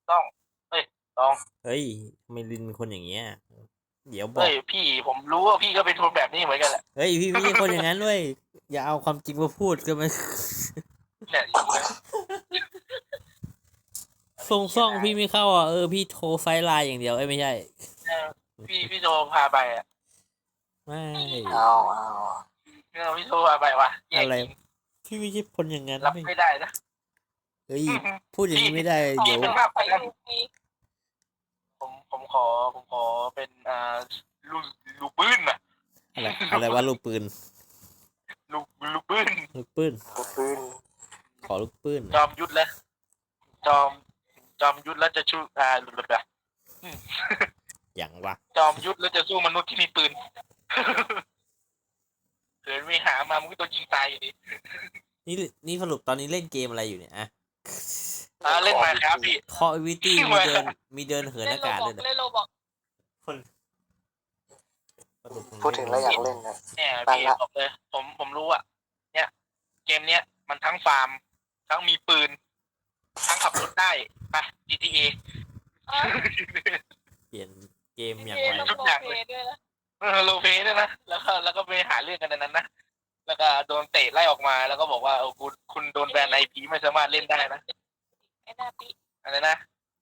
ต้องเฮ้ยต้องเฮ้ยทำไมลินเป็นคนอย่างเงี้ยเดี๋ยวบอเฮ้ยกพี่ผมรู้ว่าพี่ก็เป็นคนแบบนี้เหมือนกันแหละเฮ้ยพี่ไม่ใช่คนอย่างนั้นด้วยอย่าเอาความจริงมาพูดก็มันเนี่ยจริงเลยส่งซ่องพี่ไม่เข้าอ่ะพี่โทรไฟล์ไลน์อย่างเดียวไม่ใช่เออพี่โทรพาไปอ่ะไม่เอาพี่โทรพาไปว่ะแย่อะไรจริงพี่ไม่ใช่คนอย่างนั้นรับไม่ไม่ได้นะเฮ้ยพูดอย่างนี้ไม่ได้พี่เดี๋ยวเป็นมากกว่านั้นผมขอเป็นลูกลูกปืนนะอะไรว่าลูกปืนลูกลูกปืนลูกปืนปืนขอลูกปืนจอมยุทธแล้วจอมยุทธแล้วจะชูแบบอย่างวะจอมยุทธแล้วจะสู้มนุษย์ที่มีปืนเกิดไม่หามามันก็โดนยิงตายอยู่ดีนี่นี่สรุปตอนนี้เล่นเกมอะไรอยู่เนี่ยอะเล่นมาครับพี่คอวิตี้มีเดินเหินอากาศด้วยนะเล่นโลบอกคนพูดถึงแล้วอยากเล่นนะเนี่ยพี่บอกเลยผมรู้อ่ะเนี่ยเกมเนี้ยมันทั้งฟาร์มทั้งมีปืนทั้งขับรถได้ไป GTA เปลี่ยนเกมอย่างไรไรทุกอย่างเลยโลเปด้วยนะแล้วก็ไปหาเรื่องกันในนั้นนะแล้วก็โดนเตะไล่ออกมาแล้วก็บอกว่าคุณโดนแบนไอพีไม่สามารถเล่นได้นะไอ้หน้าปีอะไรนะ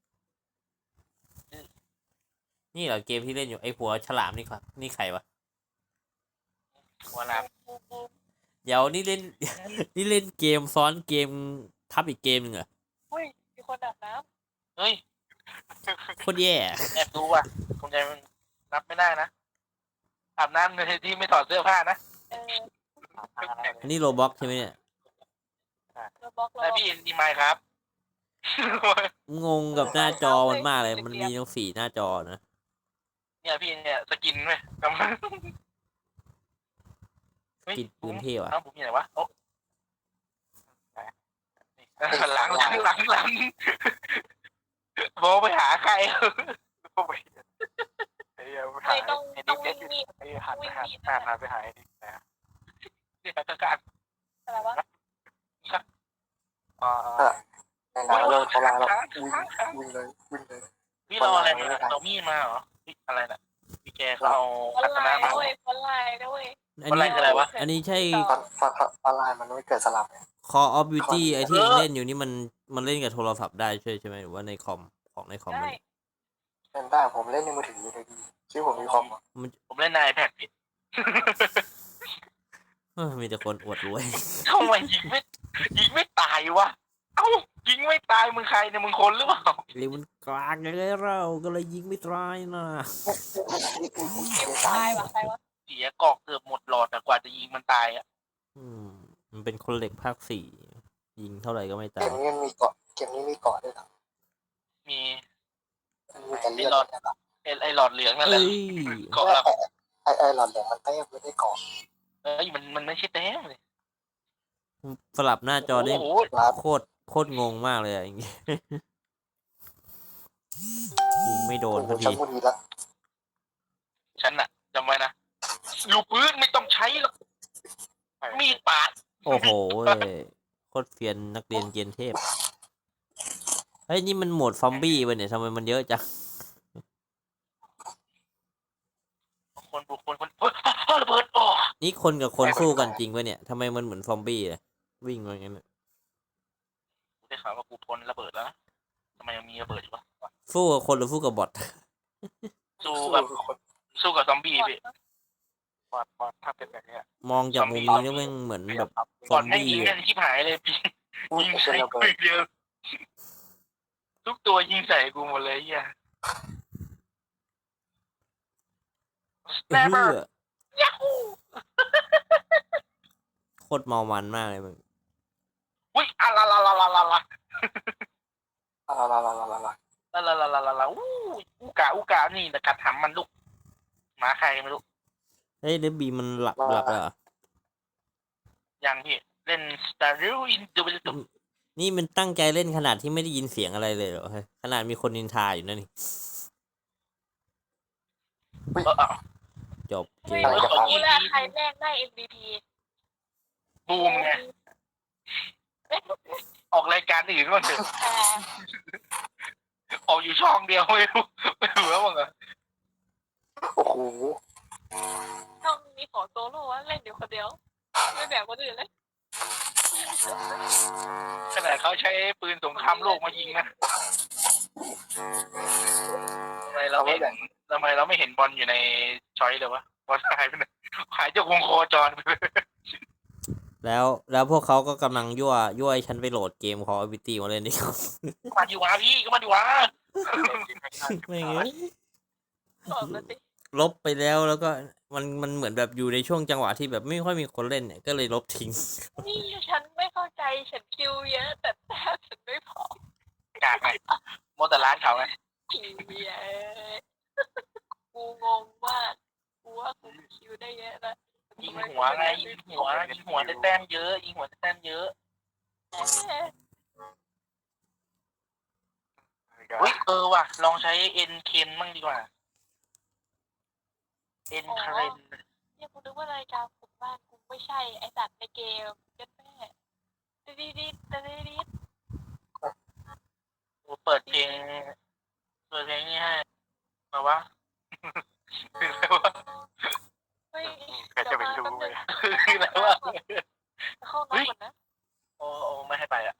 นี่เหรอเกมที่เล่นอยู่ไอ้หัวฉลามนี่ครับนี่ใครวะหัวน้เดี๋ยวนี่เล่น นี่เล่นเกมซ้อนเกมทับอีกเกมหนึ่งเหรอเฮ้ยมีคนอาบน้เฮ้ยโคตรแย่แอบดูว่ะคงใจมันนับไม่ได้นะอาบน้ำในที่ไม่ถอดเสื้อผ้านะอันนี้โรบ็อกใช่ไหมเนี่ยโลบอกแต่พี่เอ็นดีไมค์ครับงงกับหน้าจอมันมากเลยมันมีทั้ง4หน้าจอนะเนี่ยพี่เนี่ยสกินไหมกำลังกินปืนเท่อะผมอยู่ไหนวะโอ้หลังโบไปหาใครโบไปใครต้องมีหันไปหาดินะนี่คือการอะไรวะในหนังเรื่องเขาลาแล้ววิ่งเลยพี่เราอะไรมาเรามีมาเหรออะไรน่ะพี่แกเขาเอาอัตนามาคนไลน์ด้วยอะไรวะอันนี้ใช่ตอนไลน์มันไม่เกิดสลับ Call of Duty ไอที่เล่นอยู่นี่มันเล่นกับโทรศัพท์ได้ใช่ไหมหรือว่าในคอมของในคอมมันเล่นได้ผมเล่นในมือถืออยู่ดีชื่อผมมีคอมผมเล่นใน iPad ผิดมีแต่คนอวดรวยทำไมยิงไม่ตายวะเอ้ายิงไม่ตายมึงใครเนี่ยมึงคนหรือเปล่าเรียกมันกลางยังไงเราก็เลยยิงไม่ตายนะตายวะใครวะเสียกอกเกือบหมดหลอดแต่กว่าจะยิงมันตายอ่ะมันเป็นคนเหล็กภาค4ยิงเท่าไหร่ก็ไม่ตายเกมนี้มีเกาะด้วยครับมีไอหลอดเหลืองนั่นแหละเกาะละไอหลอดเหลืองมันแต้มไม่ได้เกาะมันไม่ใช่แต้มเลยสลับหน้าจอได้โคตรงงมากเลยอย่างงี้ยิงไม่โดนพอดีฉันน่ะจำไว้นะลูกปืนไม่ต้องใช้หรอกมีดปาดโอ้โหโคตรเฟียนนักเรียนเกียนเทพเฮ้ยนี่มันโหมดซอมบี้วะเนี่ยทำไมมันเยอะจังคนระเบิดอ๋อนี่คนกับคนสู้กันจริงวะเนี่ยทำไมมันเหมือนซอมบี้เลยวิ่งมาอย่างนั้นได้ข่าวว่ากูพ้นระเบิดแล้วทำไมยังมีระเบิดอยู่วะสู้กับคนหรือสู้กับบอทสู้กับซอมบี้พี่บอทถ้าเป็นแบบนี้มองจากมุมนี้มันเหมือนแบบซอมบี้ยิงกันชิบหายเลยพี่ยิงใส่กูเดียวทุกตัวยิงใส่กูหมดเลยเฮียแม่ยาฮูโคตรเมามันมากเลยมึงอุ้ยอูกานี่นะกัดหำมันลูกหมาใครไม่รู้เฮ้ยเดบีมันหลับแล้วยังพี่เล่น Star in the นี่มันตั้งใจเล่นขนาดที่ไม่ได้ยินเสียงอะไรเลยเหรอขนาดมีคนนินทาอยู่นั่นนี่จบเกมรู้แล้วใครแรกได้ MVP บูมไงออกรายการอื่นก่อนเถอะอยู่ช่องเดียวไม่รู้ว่ามึงอะโอ้โหช่องนี้ขอโซโล่ว่าเล่นอยู่คนเดียวไม่แบ่งคนอื่นเลยขนาดเขาใช้ปืนสงครามโลกมายิงนะทำไมเราไม่เห็นบอลอยู่ในช้อยเลยวะบอลหายไปไหนหายจากวงโคจรไปเลยแล้วพวกเขาก็กำลังยั่วให้ฉันไปโหลดเกม Call of Duty มาเล่นดิครับมาดีวะพี่ก็มาดีวะไม่เงี้ยบอกมาสิลบไปแล้วก็มันเหมือนแบบอยู่ในช่วงจังหวะที่แบบไม่ค่อยมีคนเล่นเนี่ยก็เลยลบทิ้งนี่ฉันไม่เข้าใจฉันคิวเยอะแต่แต้มฉันไม่พอกากไงโมแต่ร้านเขาไงคิวเยอะกูงงมากกูว่ากูคิวได้เยอะนะยิงหัวไงยิงหัวได้แต้มเยอะยิงหัวได้แต้มเยอะเฮ้ยว่ะลองใช้เอ็นเคนมั่งดีกว่าเอ็นคาเรนเนี่ยกูนึกว่ารายการปลุกบ้านกูไม่ใช่ไอสัตว์ในเกมเยัดแม่ดีเปิดเพลงนี้ให้มาวะเฮ้ยใครจะไปรู้ไหมคืออะไรวะเข้าน้ำก่อนนะโอ้ไม่ให้ไปอ่ะ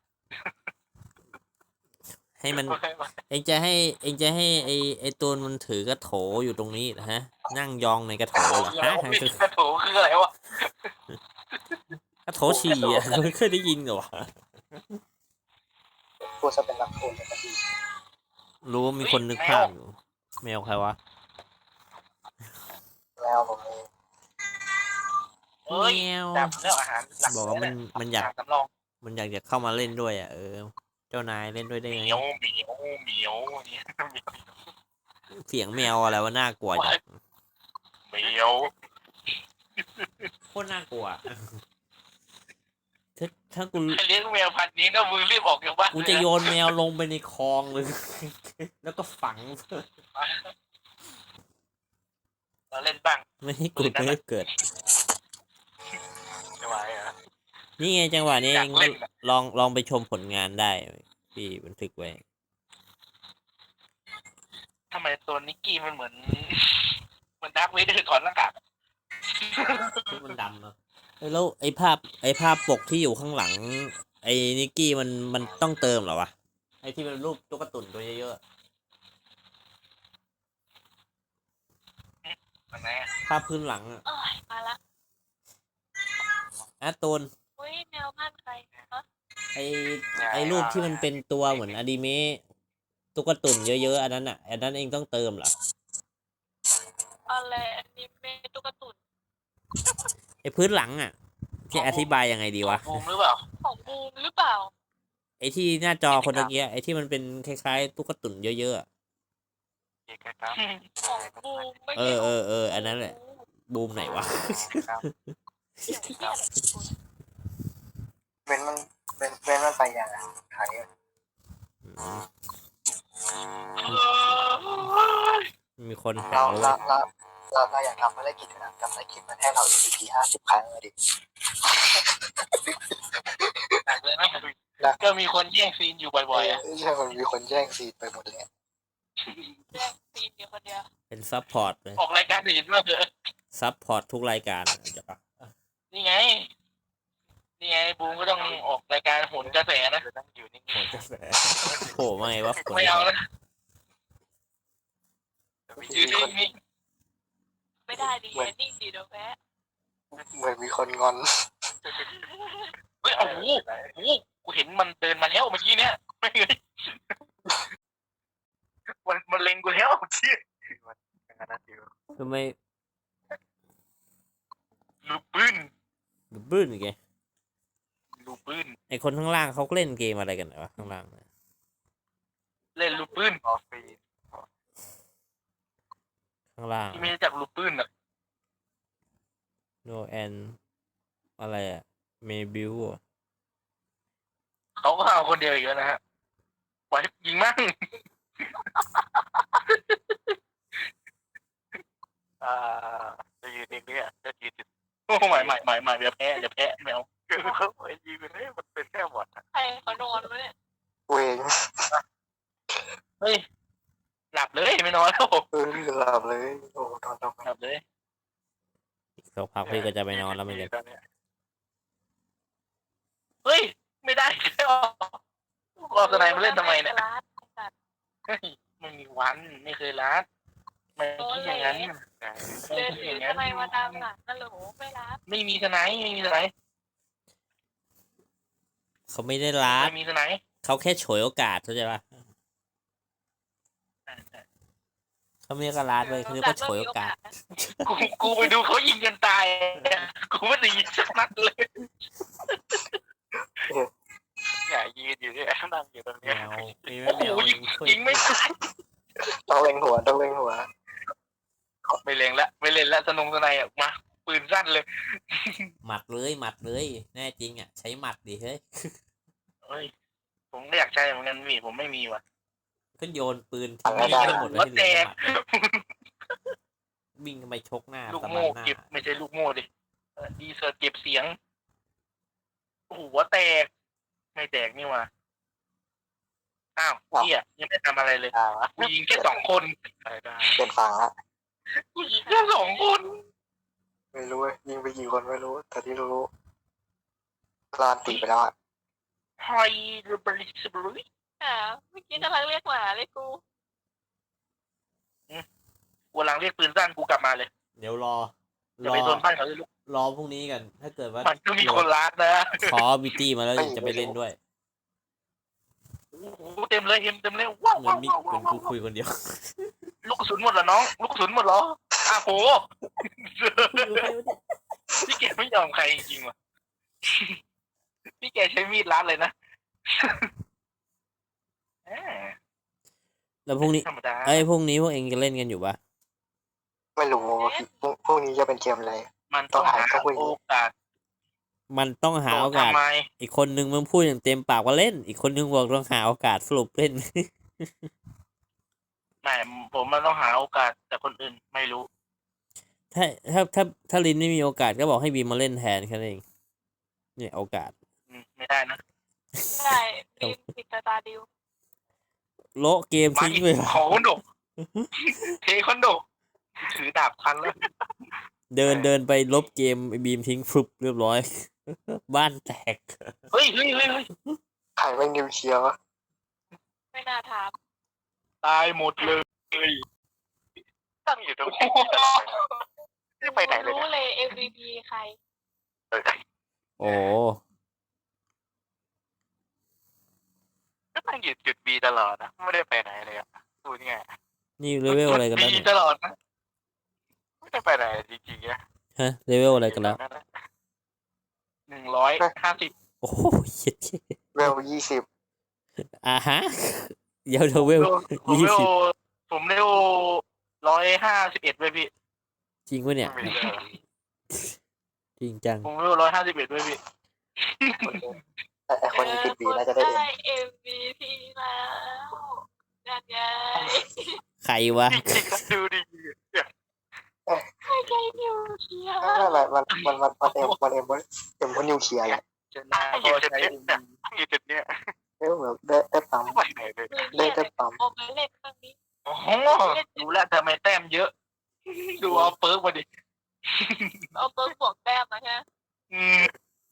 ให้มัน เองจะให้ไอตูนมันถือกระโถอยู่ตรงนี้นะฮะ นั่งยองในกระโถเหรอฮะกระโถคืออะไรวะกระโถฉี่อ่ะไม่เคยได้ยินเหรอวะพูดซะเป็นหลักคนเลยก็ดีรู้ว่ามีคนนึกภาพอยู่แมวใครวะแล้วผมเองเอ้ยแมวจับเรื่องอาหารหลักบอกว่ามันอยากสำรองมันอยากจะเข้ามาเล่นด้วยอ่ะเจ้านายเล่นด้วยได้เหไงมียวเนี่ยเสียงแมวอะไรวะน่ากลัวจังเหมียวโคตรน่ากลัวถ้ากูใครเลี้ยงแมวพันธุ์นี้ก็มึงรีบออกจากบ้านกูจะโยนแมวลงไปในคลองเลย แล้วก็ฝังเราเล่นบ้างไม่ให้กูไม่ให้เกิดจะไหวเหรอนี่ไงจังหวะนี้อยากเล่นอะลองไปชมผลงานได้พี่บันทึกไว้ทำไมตัวนิกกี้มันเหมือนดาร์คเวเดอร์ถอดหน้ากากมันดำเนาะแล้วไอ้ภาพปกที่อยู่ข้างหลัง ไอ้นิกกี้มันต้องเติมเหรอวะไอ้ที่เป็นรูปตุ๊กตุ่นตัวเยอะมันไหนๆภาพพื้นหลังอะเอ้ยมาละตูนอุ้ยแนวบ้านใครฮะไอ้รูปที่มันเป็นตัวเหมือนอนิเมะตุ๊กตุ่นเยอะๆอันนั้นอ่ะอันนั้นเองต้องเติมเหรออะไรอันนี้เมตุกตุนไอ้พื้นหลังอ่ะที่อธิบายยังไงดีวะบูมหรือเปล่าของบูมหรือเปล่าไอ้ที่หน้าจอคนตะเกียไอ้ที่มันเป็นคล้ายๆตุ๊กตุ่นเยอะๆอะของบูมไม่เอใช่ออันนั้นแหละบูมไหนวะของบูมเดี๋ยวเหี้ยอะไรของบูมเว้นมันไปอย่างไทยมีคนหาเราว่าอยากทำภารกิจนะทำภารกิจมันให้เรา MVP 50 ครั้งเลยดิหนักเลยนะก็มีคนแย่งซีนอยู่บ่อยๆอ่ะใช่มันมีคนแย่งซีนไปหมดเลยแย่งซีนเดียวคนเดียวเป็นซัพพอร์ตเลยออกรายการอื่นมากเลยซัพพอร์ตทุกรายการจะปะนี่ไงบูมก็ต้องออกรายการโหนกระแสนะอยู่นิ่งโหจะแสโผล่มาไงวะๆไม่เอานะอยู่นิ่งไม่ได้ดีนิ่งดีเดี๋ยวแพ้เหมือนมีคนงอนๆเฮ้ยโอ้โหกูเห็นมันเดินมาแล้วเมื่อกี้เนี่ยไม่เลยมันเล็งกูแล้วเชี่ยทำไมลูกปืนบื้นอีกไงลูกปืนไอคนข้างล่างเขาเล่นเกมอะไรกันวะข้างล่างน่ะเล่นลูกปืนข้างล่างที่ไม่รู้จักลูกปืนอ่ะโนแอนอะไรอะเมบิวเขาก็เอาคนเดียวอีกแล้วนะฮะปล่อยยิงมั่งจะยืนเองเนี่ยจะยืนโอ้ไม่อย่าแพ้แมวเขาไปยิงไปเลยมันเป็นแค่บอดใครเขานอนวะเนี่ยเวงเฮ้ยหลับเลยไม่นอนแล้วหลับเลยโอ้นอนหลับเลยอีกสักพักพี่ก็จะไปนอนแล้วเหมือนกันตอนเนี้ยเฮ้ยไม่ได้ใช่หรอกูเอาสไนมาเล่นทำไมเนี่ยร้านไอ้สัตว์เฮ้ยไม่มีวันไม่เคยรัดไม่คิดอย่างนั้นไม่เดินคิดถืออย่างนั้นอะไรมาตามหลังนั่นเหรอไม่รับไม่มีสไนไม่มีสไนเขาไม่ได้รัดไม่มีสไนเขาแค่ฉวยโอกาสเข้าใจปะเขาไม่เรียกว่ารัดเลยเขาเรียกว่าฉวยโอกาสกูไปดูเขายิงกันตายกูไม่ได้ยิงสักนัดเลยอย่ายืนอยู่เนี่ยนั่งอยู่ตรงแมเนี้ยวพี่โอ้ไม่โหแมวยิงไม่ตายต้องเล็งหัวต้องเล็งหัวไม่เล่นละไม่เล่นละสนงสไนอ่ะมาปืนสั้นเลยหมัดเลย แน่จริงอ่ะใช้หมัดดิเฮ้ยเฮ้ยผมก็อยากใช้เหมือนกันพี่ผมไม่มีว่ะก็โยนปืนทิ้งให้หมดเลยที่เหลือหมัดวิ่งไปชกหน้าลูกตะบัโม่นหน้าเก็บไม่ใช่ลูกโม่ดิดีเซอร์เก็บเสียงโอ้โหหัวแตกไม่แตกนี่ว่ะอ้าวเฮียยังไม่ทำอะไรเลยวะกูยิงแค่2 คนเป็นฝั่งละกูยิงแค่2 คนไม่รู้ยิงไปกี่คนไม่รู้แต่ที่รู้ลานตีไปแล้วอ่ะไฮเดรบริสบริเมื่อกี้กำลังเรียกหมาเลยกูกูกำลังเรียกปืนสั้นกูกลับมาเลยเดี๋ยวรอจะไปโดนบ้านเขาเลยลูกรอพรุ่งนี้กัน ถ้าเกิดว่ามันก็มีคนรักนะขอบิตตี้มาแล้วจะไปเล่นด้วยโอ้โหเต็มเลยเต็มเลยว้าวเหมือว้าน วมีว้าวเหมือนว้ากูวคุยคนเดียวลูกกระสุนหมดเหรอน้องลูกกระสุนหมดเหรออ้าวโหพี่แกไม่ยอมใครจริงๆว่ะพี่แกใช้มีดรัดเลยนะแหมแล้วพรุ่งนี้ธรรมดาพรุ่งนี้พวกเองจะเล่นกันอยู่ปะไม่รู้พวกนี้จะเป็นเกมอะไรมันต้องหาต้องคุยโอกาสมันต้องหาโอกาสทำไมอีกคนนึงมึงพูดอย่างเต็มปากว่าเล่น อีกคนนึงบอกต้องหาโอกาสสรุปเล่นไม่ผมมันต้องหาโอกาสแต่คนอื่นไม่รู้ถ้าลินไม่มีโอกาสก็บอกให้บีมมาเล่นแทนแค่นั้นเองเนี่ยโอกาสไม่ได้นะได้มีปิดตาดิวโละเกมมาทิ้งอีกไปเลยขอคอนโดเทคอนโดถือดาบคันแล้วเดินไปลบเกมไอ้บีมทิ้งฟลุปเรียบร้อย บ้านแตกเฮ้ยใครไม่นิวเคลียร์วะไม่น่าถามตายหมดเลยตั้งอยู่ตรงนี้ไม่ไปไหนเลยรู้เลย MVP ใครโอ้ก็ตั้งอยู่จุดบีตลอดนะไม่ได้ไปไหนเลยอ่ะพูดง่ายนี่เลเวลอะไรกันแล้วมีเนี่ยตลอดนะไม่ได้ไปไหนจริงๆอ่ะฮะเลเวลอะไรกันแล้ว 150 โอ้โหเหี้ยเวล20 ฮะเดี๋ยวเลเวลผมยี่เร็วสิบผมเร็ว151เว้ยพี่จริงปะเนี่ย จริงจังผมเร็ว151เว้ยพี่ไอคนอยู่จุดบีน่าจะได้เองได้ MVP แล้วนั่นไงใครวะจริงๆนะดูดิไม่ใช่นิวเคลียร์มันเอ็มเพราะนิวเคลียร์แหละชนะก็ใช้อยู่จุดเนี้ยแบบได้ปั๊มไปไหนเลยได้ปั๊มโอไปเล่นเรื่องนี้โอ้โหดูแลวทำไมแต้มเยอะ ดูเอาเปิร์กมาดิเอาเปิร์กบวกแต้มมาใช่ไหมอืม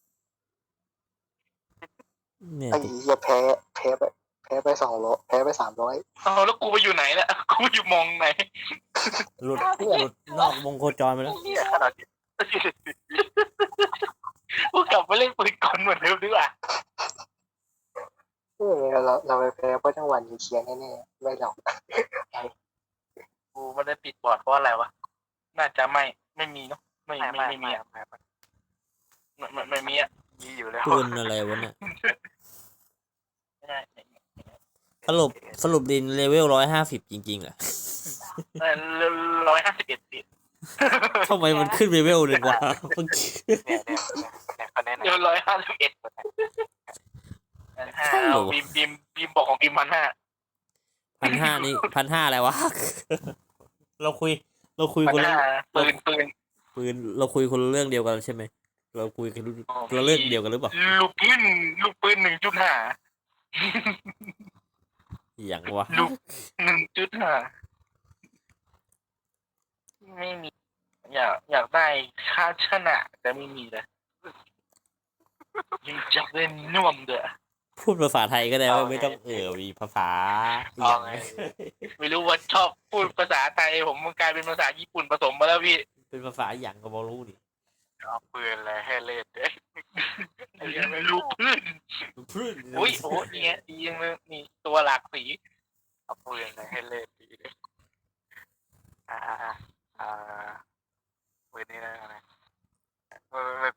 เนี่ยไอ้เหี้ยแพ้ไป200แพ้ไป300 เอาแล้วกูไปอยู่ไหนล่ะกูอยู่มองไหนหลุดนอกวงโคจรไปแล้วเนี่ยขนาดนี้กูกลับไปเล่นปืนกลเหมือนเดิมดีกว่าเราไปแพ้เพราะจังหวะนิวเคลียร์แน่ๆไม่หรอกกูไม่ได้ปิดบอร์ดเพราะอะไรวะ น่าจะไม่มีเนาะไม่มีอ่ะไม่มีอ่ะมีอยู่แล้วปืนอะไรวะเนี่ยไม่ได้สรุปดินเลเวล150จริงๆเหรอ 151สิทำไมมันขึ้นเลเวลหนึ่งวะเมื่อกี้เนี่ยคะแนนเดี๋ยว151บีมบอกของบีม1,500 1,500นี่1,500อะไรวะ เราคุยคนละ 1,500ปืนเราคุยคนละเรื่องเดียวกันใช่ไหมเราคุยกันคนละเรื่องเดียวกันหรือเปล่าลูกปืน 1.5 อย่างวะลูก1.5ไม่มี อยากได้ค่าชนะแต่ไม่มีเลยอยากเล่นน่วมเด้อพูดภาษาไทยก็ได้เอาไงไม่ต้องมีภาษาอเอาย่างไงไม่รู้ว่าชอบพูดภาษาไทยผมมันกลายเป็นภาษาญี่ปุ่นผสมมาแล้วพี่เป็นภาษาอย่างก็บอรู้ดิเอาปืนอะไรให้เล่นเด้ไอ้เหี้ยังไม่รู้พื้นพื้นอุ้ยโอ้เนี่ยดียังเลยนี่ตัวหลากสีเอาปืนอะไรให้เล่นดีเลยอ่าปืนนี่นะไม่